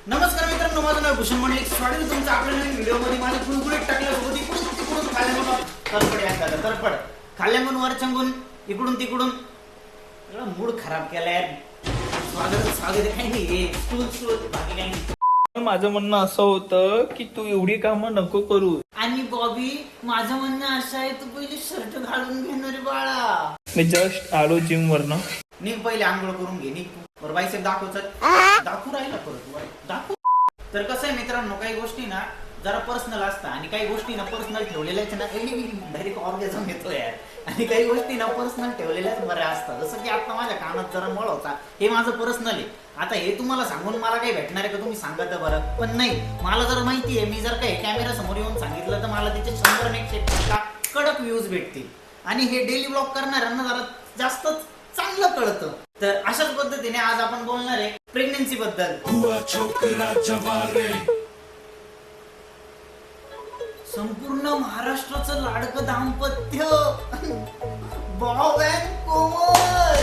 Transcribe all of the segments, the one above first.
नमस्कार मित्रांनो, माझं नाव भूषण मंडलिक. स्वागत आहे तुमचं आपल्या नवीन व्हिडिओमध्ये. माझ्या गुळगुळीत टाकल्यासोबत इकडून तिकडून खाल्ल्यामुळे तरपड आहे तरपड खाल्ल्यामुळे वरचंगून इकडून तिकडून मूड खराब केलाय. स्वागत काही नाही, स्टूल बाकी काही नाही. माझं म्हणणं असं होतं की तू एवढी कामं नको करू. आणि बॉबी, माझं म्हणणं असं आहे, तू पहिले शर्ट घालून घेणार बाळा. मी जस्ट आलो जिम वरनं. निघ पहिले आंघोळ करून घे. निघ बरं बाईसेप दाखवच. दाखवू राहिला परत दाखवू. तर कसं आहे मित्रांनो, काही गोष्टी ना जरा पर्सनल असतात आणि काही गोष्टी ना पर्सनल ठेवलेल्याच ना डायरेक्ट ऑर्गॅझम येतो यार. आणि काही गोष्टी ना पर्सनल ठेवलेल्याच बऱ्या असतात. जसं की आता माझ्या कानात जरा मळ होता, हे माझं पर्सनल आहे. आता हे तुम्हाला सांगून मला काही भेटणार आहे का, तुम्ही सांगा तर बरं. पण नाही, मला जर माहिती आहे, मी जर काही कॅमेरा समोर येऊन सांगितलं तर मला तिचे 100 कडक व्ह्यूज भेटतील. आणि हे डेली ब्लॉग करणाऱ्यांना जरा जास्त चांगलं कळतं. तर अशाच पद्धतीने आज आपण बोलणार आहे प्रेग्नन्सी बद्दल. संपूर्ण महाराष्ट्राचं लाडकं दाम्पत्य बॉब अँड कोमल.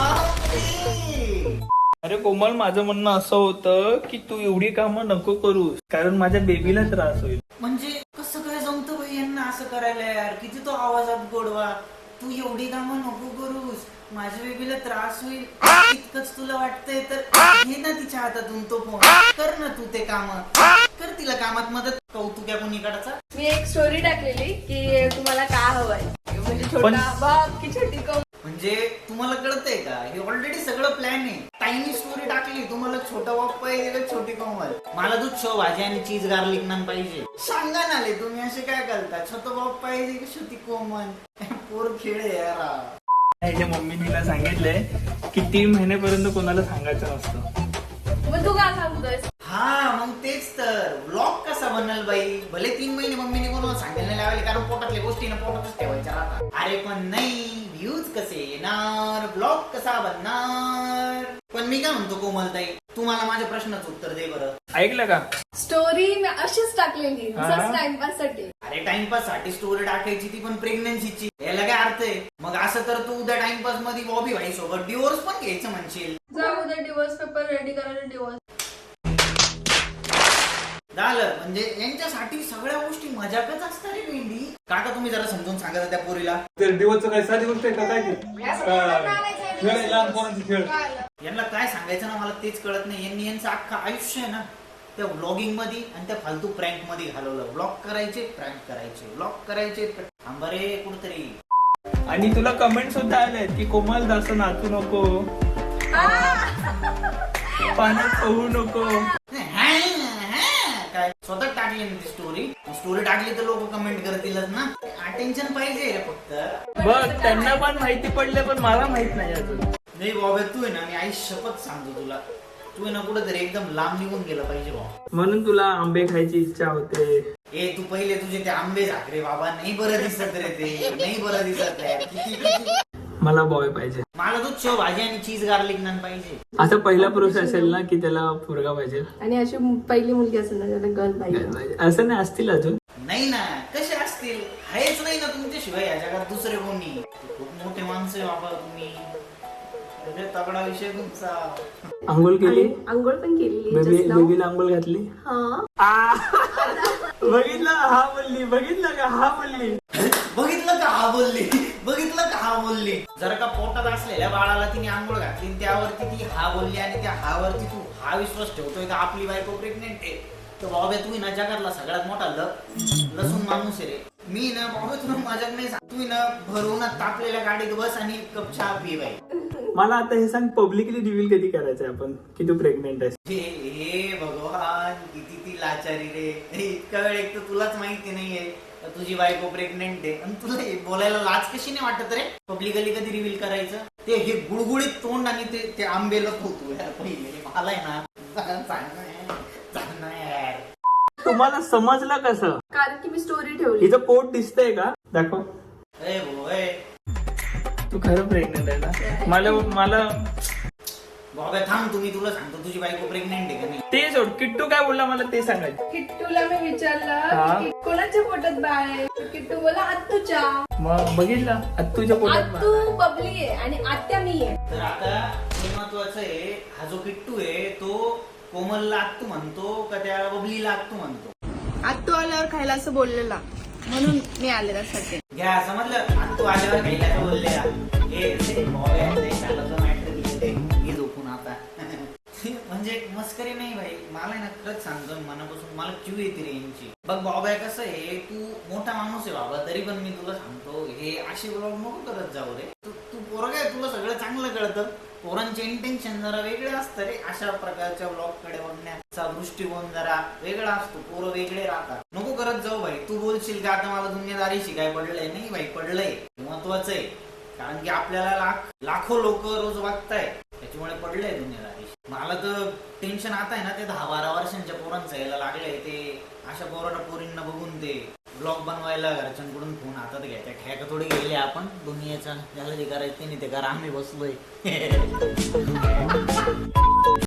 अरे कोमल, माझं म्हणणं असं होतं की तू एवढी कामं नको करू, कारण माझ्या बेबीला त्रास होईल. म्हणजे कसं काय जमतं भाई यांना असं करायला यार. किती तो आवाजात गोडवा. तू एवढी कामं नको करूस, माझ्या बेबीला त्रास होईल इतकंच तुला वाटतंय तर घे ना तिच्या हातातून तो फोन. कर ना तू ते काम, कर तिला कामात मदत. कौतुक आहे कोणीकडचा. मी एक स्टोरी टाकलेली की तुम्हाला काय हवंय, म्हणजे छोटा बाप की छोटी कोमल. म्हणजे तुम्हाला कळतंय का, हे ऑलरेडी सगळं प्लॅन आहे. टायनी स्टोरी टाकली, तुम्हाला छोटा बाप पाहिजे का छोटी कोमल. मला दूध शेव भाजी आणि चीज गार्लिक नान पाहिजे. सांगा ना ले, तुम्ही असे काय करता. छोटा बाप पाहिजे की छोटी कोमल. पोर खेळ यार. ह्याच्या मम्मीला सांगितलंय की 3 महिन्यापर्यंत कोणाला सांगायचं नसतं. मग तू काय सांगतोयस? हा मग तेच तर. ब्लॉग कसा बनल बाई. भले 3 महिने मम्मीने कोणाला सांगायला लावले, कारण पोटातल्या गोष्टी ना पोटातच ठेवायच्या राहतात. अरे पण नाही, व्ह्यूज कसे येणार, ब्लॉग कसा बनणार. पण मी काय म्हणतो कोमलताई, तू मला माझ्या प्रश्नाचं उत्तर दे बरं. ऐकलं का? स्टोरी मी अशीच टाकलेली टाइमपास साठी. अरे टाइमपास साठी स्टोरी टाकायची, ती पण प्रेग्नन्सीची. याला काय अर्थ आहे मग. असं तर तू उद्या टाइमपास मध्ये बॉबी भाई सोबत डिवोर्स पण घ्यायचं म्हणशील. जाऊ दे, डिवोर्स पेपर रेडी करायला डिवोर्स झालं. म्हणजे यांच्यासाठी सगळ्या गोष्टी मजाकच असतात रे मेंढी. काका तुम्ही जरा समजून सांगा त्या पोरीला. दिवसचं काय साधी गोष्ट आहे का काय खेळ आहे, लहान पोरांचे खेळ. यांना काय सांगायचं ना मला तेच कळत नाही. यांनी यांचं अख्खं आयुष्य आहे ना त्या व्लॉगिंग मध्ये आणि त्या फालतू प्रँक मध्ये घालवलं. व्लॉग करायचे, प्रँक करायचे, व्लॉग करायचे. थांबा रे कुठतरी. आणि तुला कमेंट सुद्धा आले की कोमल जास्त नाचू नको, पाण्यात पोहू नको. काय स्वतः टाकली ना ती स्टोरी टाकली तर लोक कमेंट करतीलच ना. अटेन्शन पाहिजे रे फक्त. बघ, त्यांना पण माहिती पडले पण मला माहित नाही अजून. नाही बाबा, तू आहे ना, मी आई शपथ सांगतो तुला, तू आहे ना कुठेतरी एकदम लांब निघून गेला पाहिजे बाबा. म्हणून तुला आंबे खायची इच्छा होते. ए तू पहिले तुझे ते आंबे झाकरे बाबा. नाही बरं दिसत रे ते, नाही बरं दिसत आहे. किती मला बॉय पाहिजे. मला दूध शेव भाजी आणि चीज गार्लिक नान पाहिजे. असा पहिला पुरुष असेल ना की त्याला पोरगा पाहिजे, आणि अशी पहिली मुलगी असेल ना त्याला गर्ल पाहिजे. असं नाही असतील अजून. नाही ना, कसे असतील. आहेच नाही ना तुमच्याशिवाय या जगात दुसरे कोणी. खूप मोठे माणसं आहे बाबा तुम्ही. तगडा विषय तुमचा. आंघोळ केली, आंघोळ पण केली, बेबीला आंघोळ घातली. बघितलं हा बोलली, बघितलं का हा बोलली, बघितलं का हा बोलली, बघितलं का हा बोलली. जर का पोटात असलेल्या बाळाला तिने आंघोळ घातली, त्यावरती ती हा बोलली आणि त्या हा वरती तू हा विश्वास ठेवतोय का आपली बायको प्रेग्नेंट आहे. तर बाबा तू ना जगातला सगळ्यात मोठा लसूण माणूस आहे रे. मी ना बाबा तुला माझ्यात नाही सांग. तू ना भरून तापलेल्या गाडीत बस आणि एक कप चहा पी बाई. मला आता हे सांग, पब्लिकली रिव्हील कधी करायचंय आपण की तू प्रेग्नेंट आहेस. हे भगवान, किती ती लाचारी रे. इतका वेळ एक तर तुलाच माहिती नाहीये तुझी बायको प्रेग्नेंट आहे आणि तुला बोलायला लाज कशी नाही वाटत रे. पब्लिकली कधी रिव्हील करायचं. ते हे गुळगुळीत तोंड आणि ते आंबेला होतो यार पहिले. मला आहे ना यार. तुम्हाला समजलं कसं? कारण की मी स्टोरी ठेवली. हिचं पोट दिसतंय का? दाखव. तू खरं प्रेग्नेंट आहे ना? मला बाबा थांब, तुला सांगतो तुझी बायको प्रेग्नेंट आहे का नाही. ते सोड. किट्टू काय बोलला मला ते सांगायचं. किट्टूला मी विचारलं की कोणाच्या पोटात बाळ आहे. किट्टू बोला आत्तूच्या. मग बघितलं, आत्तूच्या पोटात आत्तू बबली आहे आणि आत्या मी आहे. तर आता महत्वाचं आहे, हा जो किट्टू आहे तो कोमलला आत्तू म्हणतो का त्या बबलीला आत्तू म्हणतो? आत्तू आल्यावर खायला असं बोललेला म्हणून मी आले त्यासाठी. घ्या समजलं, आत्तू आल्यावर खायला का बोललेला हे मॅटर घे झोपून आता. म्हणजे मस्करी नाही भाई, मला ना खरंच सांगतो मनापासून मला क्यू येते रे यांची. बघ बाबा कसं आहे, तू मोठा माणूस आहे बाबा, तरी पण मी तुला सांगतो हे असे ब्लॉग नको करत जाऊ रे. तू पोरगा आहे, तुला सगळं चांगलं कळतं. पोरांचे इंटेन्शन जरा वेगळे असतं रे. अशा प्रकारच्या ब्लॉग कडे बघण्याचा दृष्टिकोन जरा वेगळा असतो. पोरं वेगळे राहतात. नको करत जाऊ भाई. तू बोलशील का आता मला दुनियादारीशी काय पडलंय? नाही भाई, पडलंय, महत्वाचं आहे. कारण की आपल्याला लाखो लोक रोज बघताय, त्याच्यामुळे पडलंय दुनियादारी. मला तर टेन्शन आता आहे ना ते 10-12 वर्षांच्या पोरांचं यायला लागलंय. ते अशा पोरींना बघून ते ब्लॉग बनवायला घरच्यांकडून फोन हातात घ्यायचा. ठेका थोडी गेले आपण दुनियाचा, ज्याला जे करायचं नाही ते करा, आम्ही बसलोय.